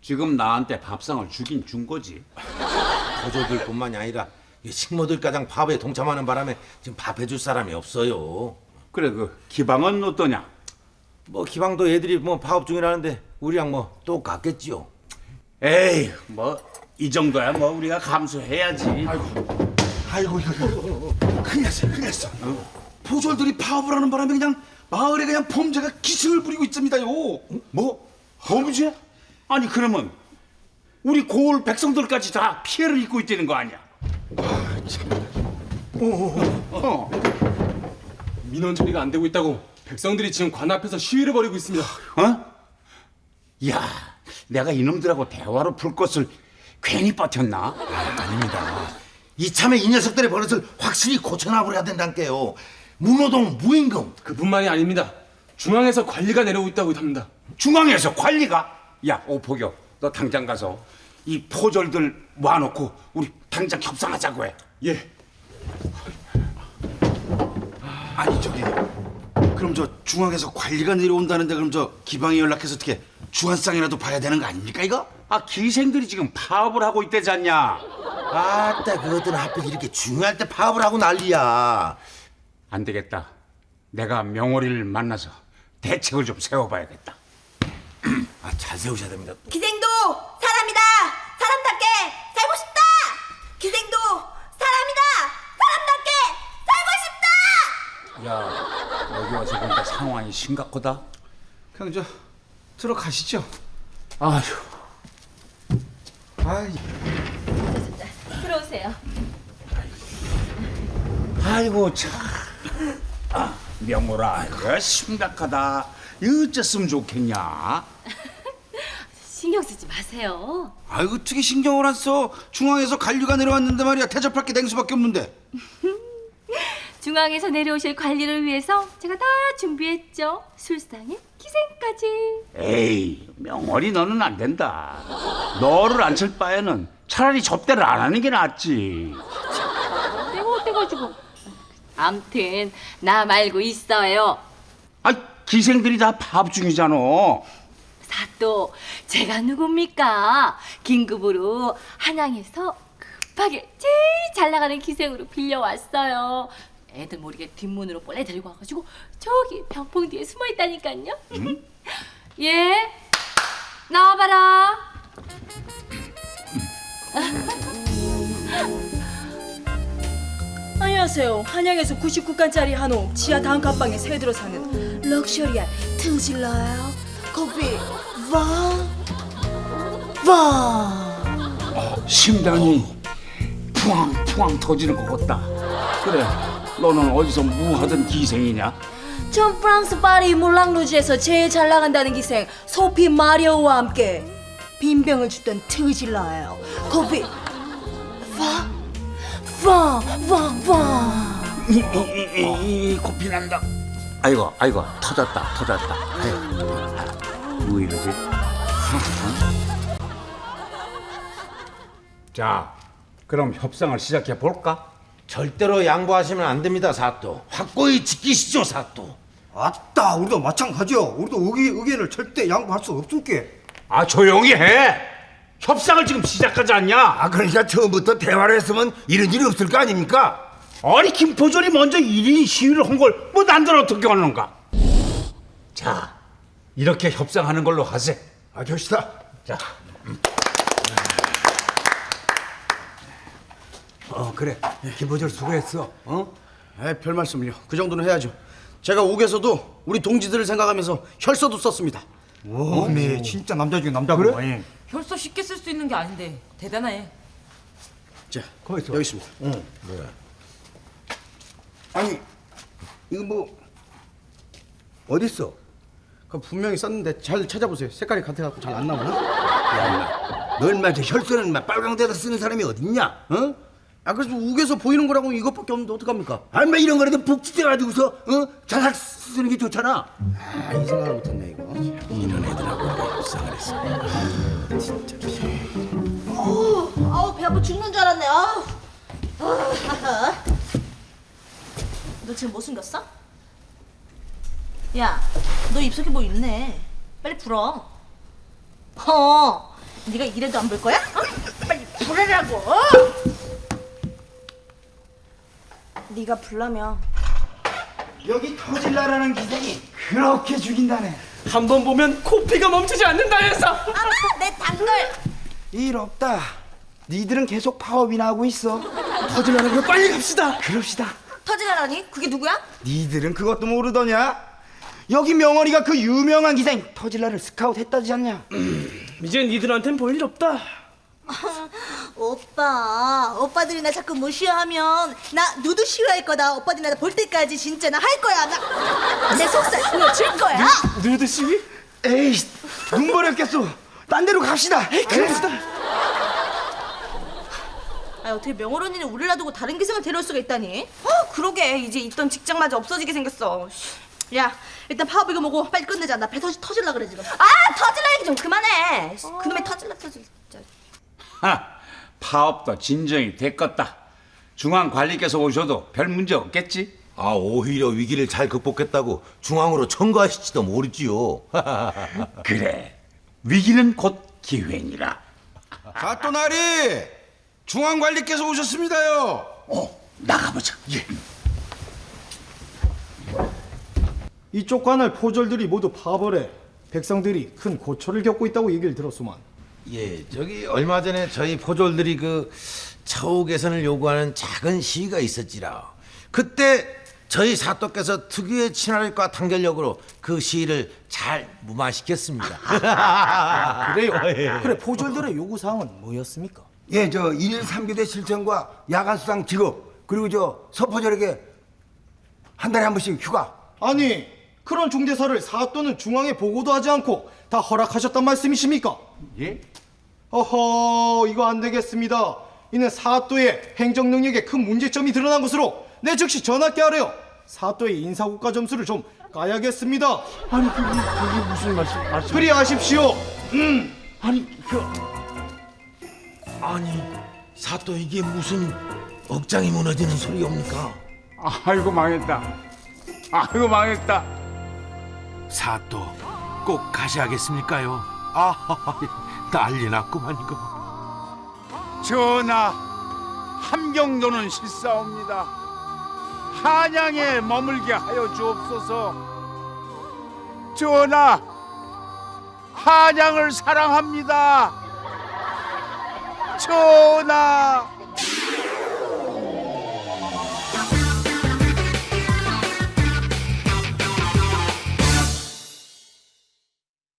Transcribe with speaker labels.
Speaker 1: 지금 나한테 밥상을 주긴 준 거지.
Speaker 2: 거조들뿐만이 아니라 이 식모들가장 밥에 동참하는 바람에 지금 밥 해줄 사람이 없어요.
Speaker 1: 그래, 그 기방은 어떠냐?
Speaker 2: 뭐 기방도 애들이 뭐 파업 중이라는데 우리랑 뭐 똑같겠지요.
Speaker 1: 에이, 뭐 이 정도야 뭐 우리가 감수해야지.
Speaker 3: 아이고 이거 큰일 났어 큰일 났어. 포졸들이 파업을 하는 바람에 그냥 마을에 그냥 범죄가 기승을 부리고 있습니다요.
Speaker 1: 뭐? 범죄? 아니 그러면 우리 고을 백성들까지 다 피해를 입고 있다는 거 아니야?
Speaker 4: 민원 처리가 안 되고 있다고 백성들이 지금 관 앞에서 시위를 벌이고 있습니다.
Speaker 1: 어? 야, 내가 이놈들하고 대화로 풀 것을 괜히 버텼나?
Speaker 2: 아닙니다. 이참에 이 녀석들의 버릇을 확실히 고쳐나버려야 된다니까요. 무노동, 무임금.
Speaker 4: 그뿐만이 아닙니다. 중앙에서 관리가 내려오고 있다고 합니다.
Speaker 1: 중앙에서 관리가? 야, 오포교, 너 당장 가서 이 포졸들 모아놓고 우리 당장 협상하자고 해.
Speaker 4: 예.
Speaker 3: 아니 저기 그럼 저 중앙에서 관리가 내려온다는데 그럼 저 기방에 연락해서 어떻게 주한상이라도 봐야 되는 거 아닙니까 이거?
Speaker 1: 아, 기생들이 지금 파업을 하고 있대지 않냐?
Speaker 2: 아따 그것들은 하필 이렇게 중요할 때 파업을 하고 난리야.
Speaker 1: 안 되겠다. 내가 명월이를 만나서 대책을 좀 세워봐야겠다.
Speaker 2: 아, 잘 세우셔야 됩니다.
Speaker 5: 기생도 사람이다. 사람답게 살고 싶다. 기생도 사람이다. 사람답게 살고 싶다.
Speaker 1: 야, 여기 와서 보니까 상황이 심각하다.
Speaker 3: 그냥 저 들어가시죠.
Speaker 1: 아휴.
Speaker 3: 아이.
Speaker 5: 들어오세요.
Speaker 1: 아이고 참. 아, 명호라, 이거 심각하다. 이거 어쨌으면 좋겠냐?
Speaker 5: 신경 쓰지 마세요.
Speaker 3: 아이고 어떻게 신경을 안 써? 중앙에서 관리가 내려왔는데 말이야 대접할 게 냉수밖에 없는데.
Speaker 5: 중앙에서 내려오실 관리를 위해서 제가 다 준비했죠. 술상에 기생까지.
Speaker 1: 에이, 명월이 너는 안 된다. 너를 안 칠 바에는 차라리 접대를 안 하는 게 낫지.
Speaker 5: 내가 어때가지고. 암튼 나 말고 있어요.
Speaker 1: 아, 기생들이 다 파업 중이잖아.
Speaker 5: 사또 제가 누굽니까? 긴급으로 한양에서 급하게 제일 잘 나가는 기생으로 빌려왔어요. 애들 모르게 뒷문으로 몰래 데리고 와가지고 저기 병풍 뒤에 숨어 있다니까요. 예, 나와봐라.
Speaker 6: 안녕하세요. 한양에서 99칸짜리 한옥 지하 단칸방에 새 들어 사는 럭셔리한 트질러요. 커피 와.
Speaker 1: 심장이 푸앙푸앙 터지는 것 같다. 그래, 너는 어디서 뭐 하던 기생이냐?
Speaker 6: 전 프랑스 파리 몰랑루즈에서 제일 잘 나간다는 기생 소피 마리오와 함께 빈병을 주던 트질러요. 커피 와.
Speaker 1: 이 코피 난다. 아이고 터졌다. 아이고, 뭐 이러지? 자, 그럼 협상을 시작해 볼까?
Speaker 2: 절대로 양보하시면 안 됩니다, 사또. 확고히 지키시죠, 사또.
Speaker 7: 아따, 우리도 마찬가지요. 우리도 의견을 절대 양보할 수 없을게.
Speaker 1: 아, 조용히 해. 협상을 지금 시작하지 않냐?
Speaker 2: 아, 그러니까 처음부터 대화를 했으면 이런 일이 없을 거 아닙니까?
Speaker 1: 아니, 김포졸이 먼저 1인 시위를 한 걸 뭐 난들 어떻게 하는가? 자, 이렇게 협상하는 걸로 하세.
Speaker 7: 아, 좋시다.
Speaker 1: 자,
Speaker 7: 그래. 김보절 수고했어. 별 말씀을요. 그 정도는 해야죠. 제가 옥에서도 우리 동지들을 생각하면서 혈서도 썼습니다. 오, 네, 진짜 남자 중에 남자고. 그래?
Speaker 8: 혈서 쉽게 쓸 수 있는 게 아닌데 대단해.
Speaker 7: 자, 여기 있습니다. 아니, 이거 뭐 어디 있어? 그 분명히 썼는데 잘 찾아보세요. 색깔이 같아갖고 잘 안 나오나?
Speaker 2: 야, 너 얼마 저 혈서는 막 빨강대로 쓰는 사람이 어딨냐? 어?
Speaker 7: 아, 그래서 옥에서 보이는 거라고 이것밖에 없는데 어떡합니까?
Speaker 2: 얼마 이런 거라도 복지돼가지고서 자살 쓰는 게 좋잖아.
Speaker 7: 아, 이 생각을 못했네 이거.
Speaker 2: 이런 애들하고 우리가 협상을 했어.
Speaker 5: 아우 배 아파 죽는 줄 알았네. 너 지금 뭐 숨겼어? 야, 너 입속에 뭐 있네. 빨리 풀어.
Speaker 6: 네가 이래도 안 볼 거야? 빨리 부르라고. 네가 불러면
Speaker 7: 여기 터질라라는 기생이 그렇게 죽인다네.
Speaker 4: 한 번 보면 코피가 멈추지 않는다 해서.
Speaker 6: 내 단걸.
Speaker 7: 일 없다. 니들은 계속 파업이나 하고 있어.
Speaker 4: 터질라는 거 빨리 갑시다.
Speaker 7: 그럽시다.
Speaker 6: 터지라라니? 그게 누구야?
Speaker 7: 니들은 그것도 모르더냐? 여기 명월이가 그 유명한 기생 터질라를 스카우트 했다지 않냐?
Speaker 4: 이젠 니들한텐 볼 일 없다.
Speaker 6: 오빠들이 나 자꾸 무시하면 나 누드 싫어할 거다. 오빠들이 나 볼 때까지 진짜 나 할 거야. 내 속살 보여줄 거야.
Speaker 4: 누드 시위?
Speaker 7: 에이, 눈 버렸겠소. 딴 데로 갑시다.
Speaker 4: 그럽시다.
Speaker 6: 아, 어떻게 명월 언니는 우리를 놔두고 다른 기생을 데려올 수가 있다니?
Speaker 8: 그러게 이제 있던 직장마저 없어지게 생겼어.
Speaker 6: 야, 일단 파업 이거 뭐고 빨리 끝내자. 나 배 터질라 그래 지금.
Speaker 8: 터질라 얘기 좀 그만해. 그놈의 터질라 진짜.
Speaker 1: 파업도 진정이 됐겠다. 중앙관리께서 오셔도 별 문제 없겠지?
Speaker 2: 오히려 위기를 잘 극복했다고 중앙으로 청구하실지도 모르지요.
Speaker 1: 그래, 위기는 곧 기회니라.
Speaker 3: 사또나리 중앙관리께서 오셨습니다요.
Speaker 1: 나가보자. 예.
Speaker 9: 이쪽 관할 포졸들이 모두 파업을 해 백성들이 큰 고초를 겪고 있다고 얘기를 들었소만.
Speaker 2: 예, 저기 얼마 전에 저희 포졸들이 그 처우 개선을 요구하는 작은 시위가 있었지라. 그때 저희 사또께서 특유의 친화력과 단결력으로 그 시위를 잘 무마시켰습니다.
Speaker 9: 그래요? 그래 포졸들의 요구사항은 뭐였습니까?
Speaker 10: 예, 저 1일 3교대 실천과 야간 수당 지급, 그리고 저 서포절에게 한 달에 한 번씩 휴가.
Speaker 9: 아니 그런 중대사를 사또는 중앙에 보고도 하지 않고 다 허락하셨단 말씀이십니까?
Speaker 1: 예?
Speaker 9: 어허, 이거 안 되겠습니다. 이는 사또의 행정 능력에 큰 문제점이 드러난 것으로 내 즉시 전학게 하래요. 사또의 인사국가 점수를 좀 까야겠습니다.
Speaker 1: 아니 그게 무슨 말씀?
Speaker 9: 그리하십시오.
Speaker 2: 아니, 사또 이게 무슨 억장이 무너지는 소리옵니까?
Speaker 1: 아이고 망했다. 아이고 망했다.
Speaker 2: 사또 꼭 가셔야겠습니까요? 난리 났구만 이거.
Speaker 1: 전하, 함경도는 실사옵니다. 한양에 머물게 하여 주옵소서. 전하, 한양을 사랑합니다. 전하.